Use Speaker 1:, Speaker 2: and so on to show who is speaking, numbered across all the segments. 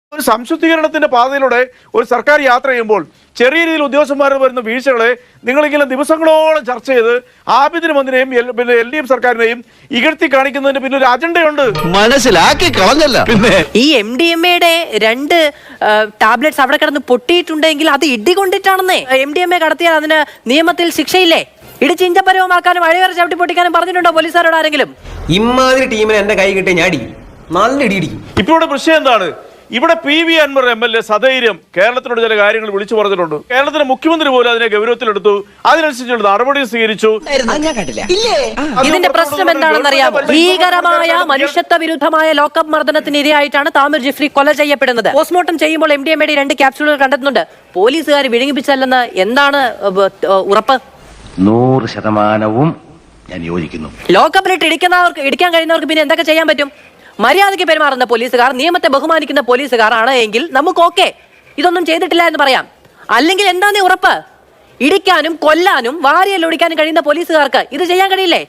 Speaker 1: ഒരു സംശുദ്ധീകരണത്തിന്റെ പാതയിലൂടെ ഒരു സർക്കാർ യാത്ര ചെയ്യുമ്പോൾ ചെറിയ രീതിയിൽ ഉദ്യോഗസ്ഥന്മാർ വരുന്ന വീഴ്ചകളെ നിങ്ങളിങ്ങനെ ദിവസങ്ങളോളം ചർച്ച ചെയ്ത് ആഭ്യന്തരമന്ത്രിയെയും പിന്നെ LDF സർക്കാരിനെയും ഇകഴ്ത്തി കാണിക്കുന്നതിന് പിന്നെ ഒരു അജണ്ടയുണ്ട്.
Speaker 2: മനസ്സിലാക്കി കളഞ്ഞല്ല. പിന്നെ
Speaker 3: ഈ MDMA-യുടെ 2 ടാബ്ലറ്റ്സ് അവിടെ കിടന്ന് പൊട്ടിയിട്ടുണ്ടെങ്കിൽ അത് ഇടികൊണ്ടിട്ടാണെന്നേ. MDMA കടത്തിയാൽ അതിന് നിയമത്തിൽ ശിക്ഷയില്ലേ? ഇടിച്ചിഞ്ചപരവുമാക്കാനും അഴിവരെ ചവിട്ടി പൊട്ടിക്കാനും പറഞ്ഞിട്ടുണ്ടോ പോലീസുകാരോട് ആരെങ്കിലും?
Speaker 4: ഇമാതിരി ടീമിനെ എന്റെ കൈ കിട്ടിയ ഞാൻ അടിക്കും, നല്ല ഇടിക്കും.
Speaker 1: ഇപ്പോൾ ഇവിടെ വിഷയം എന്താണ്? ഇവിടെ PV അൻവർ MLA സധൈര്യം കേരളത്തിനോട് ചില കാര്യങ്ങൾ വിളിച്ചു പറഞ്ഞിട്ടുണ്ട്. കേരളത്തിലെ മുഖ്യമന്ത്രി പോലും അതിനെ ഗൗരവത്തിലെടുത്തു, അതിനനുസരിച്ചുള്ള നടപടി സ്വീകരിച്ചു.
Speaker 3: ഇതിന്റെ പ്രശ്നം എന്താണെന്നറിയാം? ഭീകരമായ മനുഷ്യത്വ വിരുദ്ധമായ ലോക്കപ്പ് മർദ്ദനത്തിന് ഇരയായിട്ടാണ് താമിർ ജിഫ്രി കൊല ചെയ്യപ്പെടുന്നത്. പോസ്റ്റ്മോർട്ടം ചെയ്യുമ്പോൾ MDMA-യുടെ 2 ക്യാപ്സ്യൂളുകൾ കണ്ടെത്തുന്നുണ്ട്. പോലീസുകാർ വിഴുങ്ങിപ്പിച്ചല്ലെന്ന് എന്താണ് ഉറപ്പ്?
Speaker 2: 100% ഞാൻ യോജിക്കുന്നു.
Speaker 3: ലോക്കപ്പിലിട്ട് ഇടിക്കാൻ കഴിയുന്നവർക്ക് പിന്നെ എന്തൊക്കെ ചെയ്യാൻ പറ്റും? മര്യാദയ്ക്ക് പെരുമാറുന്ന പോലീസുകാർ, നിയമത്തെ ബഹുമാനിക്കുന്ന പോലീസുകാർ ആണ് എങ്കിൽ നമുക്ക് ഓക്കെ, ഇതൊന്നും ചെയ്തിട്ടില്ല എന്ന് പറയാം. അല്ലെങ്കിൽ എന്താന്നേ ഉറപ്പ്? ഇടിക്കാനും കൊല്ലാനും വാരിയല്ലൊടിക്കാനും കഴിയുന്ന പോലീസുകാർക്ക് ഇത് ചെയ്യാൻ കഴിയില്ലേ?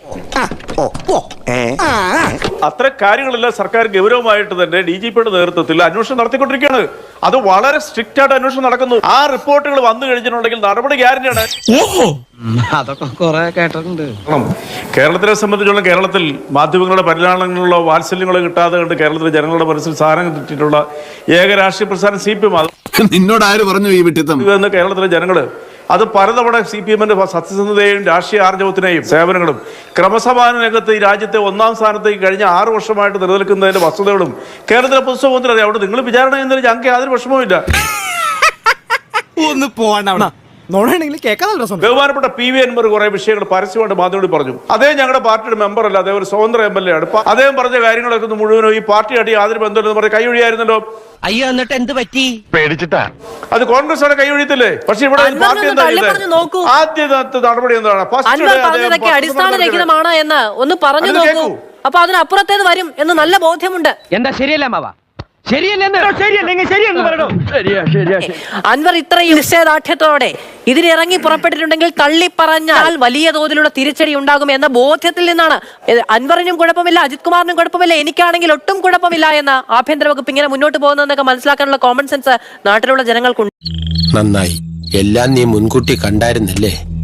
Speaker 1: അത്ര കാര്യങ്ങളെല്ലാം സർക്കാർ ഗൗരവമായിട്ട് തന്നെ DGP-യുടെ നേതൃത്വത്തിൽ അന്വേഷണം നടത്തിക്കൊണ്ടിരിക്കുകയാണ്. അത് വളരെ സ്ട്രിക്റ്റ് ആയിട്ട് അന്വേഷണം നടക്കുന്നു. ആ റിപ്പോർട്ടുകൾ വന്നു കഴിഞ്ഞിട്ടുണ്ടെങ്കിൽ നടപടി ഗ്യാരണ്ടിയാണ്.
Speaker 4: അതൊക്കെ കുറെ കേട്ടിട്ടുണ്ട്.
Speaker 1: കേരളത്തിനെ സംബന്ധിച്ചുള്ള കേരളത്തിൽ മാധ്യമങ്ങളുടെ പരിലാളങ്ങളിലോ വാത്സല്യങ്ങളോ കിട്ടാതെ കണ്ട് കേരളത്തിലെ ജനങ്ങളുടെ മനസ്സിൽ സാധനം കിട്ടിയിട്ടുള്ള ഏക രാഷ്ട്രീയ പ്രസ്ഥാനം CPM.
Speaker 5: നിന്നോട് ആര് പറഞ്ഞു ഈ വിട്ടിത്തം?
Speaker 1: കേരളത്തിലെ ജനങ്ങള് അത് പലതവണ CPM-ന്റെ സത്യസന്ധതയെയും രാഷ്ട്രീയ ആർജവത്തിനെയും സേവനങ്ങളും ക്രമസമാധാന രംഗത്ത് ഈ രാജ്യത്തെ 1ാം സ്ഥാനത്തേക്ക് കഴിഞ്ഞ 6 വർഷമായിട്ട് നിലനിൽക്കുന്നതിന്റെ വസ്തുതകളും കേരളത്തിലെ പൊതുസമൂഹത്തിന് അറിയാം. അവിടെ നിങ്ങൾ വിചാരണ ചെയ്യുന്നതിൽ ഞങ്ങൾക്ക് യാതൊരു വിഷമവുമില്ല.
Speaker 6: ഒന്ന് പോകണ്ട.
Speaker 1: ബഹുമാനപ്പെട്ട PV അൻവർ കുറെ വിഷയങ്ങൾ പരസ്യമായിട്ട് മാധ്യമങ്ങളിൽ പറഞ്ഞു. അദ്ദേഹം ഞങ്ങളുടെ പാർട്ടിയുടെ മെമ്പർ അല്ല, അദ്ദേഹം ഒരു സ്വതന്ത്ര MLA ആണ്. അദ്ദേഹം പറഞ്ഞ കാര്യങ്ങളൊക്കെ മുഴുവനും ഈ പാർട്ടിയായിട്ട് യാതൊരു ബന്ധമില്ലെന്ന് പറഞ്ഞ് കൈയൊഴിയായിരുന്നല്ലോ.
Speaker 2: അയ്യോ, എന്നിട്ട് എന്ത് പറ്റി? പേടിച്ചിട്ടാ.
Speaker 1: അത് കോൺഗ്രസ് ആണ് കൈയൊഴിയത്തില്ലേ? പക്ഷെ ഇവിടെ പാർട്ടി എന്താ ആദ്യത്തെ നടപടി എന്താണ്?
Speaker 3: പറഞ്ഞതൊക്കെ അടിസ്ഥാനരഹിതമാണ് എന്ന് ഒന്ന് പറഞ്ഞു നോക്കൂ. അപ്പൊ അതിനപ്പുറത്തേത് വരും എന്ന് നല്ല ബോധ്യമുണ്ട്.
Speaker 4: എന്താ ശരിയല്ല മാവ?
Speaker 3: അൻവർ ഇത്രയും നിശ്ചയദാർഢ്യത്തോടെ ഇതിനിറങ്ങി പുറപ്പെട്ടിട്ടുണ്ടെങ്കിൽ തള്ളി പറഞ്ഞാൽ വലിയ തോതിലുള്ള തിരിച്ചടി ഉണ്ടാകും എന്ന ബോധ്യത്തിൽ നിന്നാണ്. അൻവറിനും കുഴപ്പമില്ല, അജിത് കുമാറിനും കുഴപ്പമില്ല, എനിക്കാണെങ്കിൽ ഒട്ടും കുഴപ്പമില്ല എന്ന ആഭ്യന്തര വകുപ്പ് ഇങ്ങനെ മുന്നോട്ട് പോകുന്നതെന്നൊക്കെ മനസ്സിലാക്കാനുള്ള കോമൺ സെൻസ് നാട്ടിലുള്ള ജനങ്ങൾക്കുണ്ട്.
Speaker 7: നന്നായി, എല്ലാം നീ മുൻകൂട്ടി കണ്ടായിരുന്നല്ലേ?